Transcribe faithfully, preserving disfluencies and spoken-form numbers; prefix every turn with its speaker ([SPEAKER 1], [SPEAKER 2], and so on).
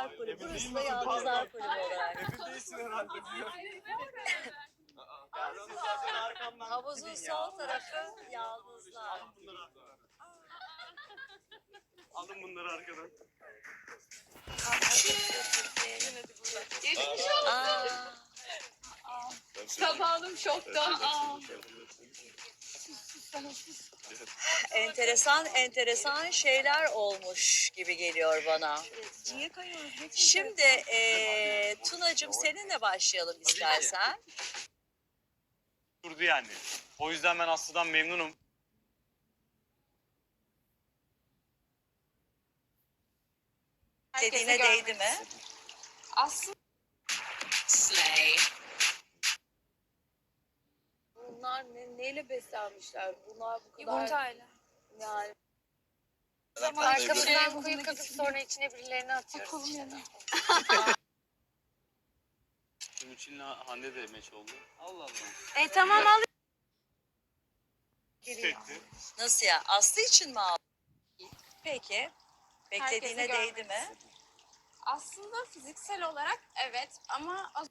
[SPEAKER 1] Yalnızlar Kulübü. Burası da Yalnızlar Kulübü olarak.
[SPEAKER 2] Emin değilsin herhalde. Yani onu zaten arkamdan
[SPEAKER 1] Havuzun
[SPEAKER 2] gidin
[SPEAKER 1] sol
[SPEAKER 2] ya.
[SPEAKER 1] tarafı Yalnızlar.
[SPEAKER 2] Alın bunları arkadan. Alın bunları arkadan.
[SPEAKER 3] Geçmiş
[SPEAKER 1] Aa,
[SPEAKER 3] Sabahım şokta. Aa.
[SPEAKER 1] enteresan enteresan şeyler olmuş gibi geliyor bana.
[SPEAKER 4] Niye kayıyoruz? Geçin.
[SPEAKER 1] Şimdi eee Tunacığım seninle başlayalım istersen.
[SPEAKER 2] Durdu yani. O yüzden ben Aslı'dan memnunum.
[SPEAKER 1] Dediğine değdi mi?
[SPEAKER 3] Aslında
[SPEAKER 4] Bunlar ne, neyle beslenmişler? Bunlar bu kadar
[SPEAKER 3] yumurtayla.
[SPEAKER 4] yani.
[SPEAKER 3] Arkamızdan kuyu kazıp sonra içine birilerini atıyoruz işte.
[SPEAKER 2] Ümit'in Hande de meç oldu. Allah Allah.
[SPEAKER 3] E tamam al.
[SPEAKER 2] Çekti.
[SPEAKER 1] Nasıl ya? Aslı için mi aldın? Peki. Beklediğine
[SPEAKER 3] Herkese
[SPEAKER 1] değdi mi?
[SPEAKER 3] Aslında fiziksel olarak evet ama az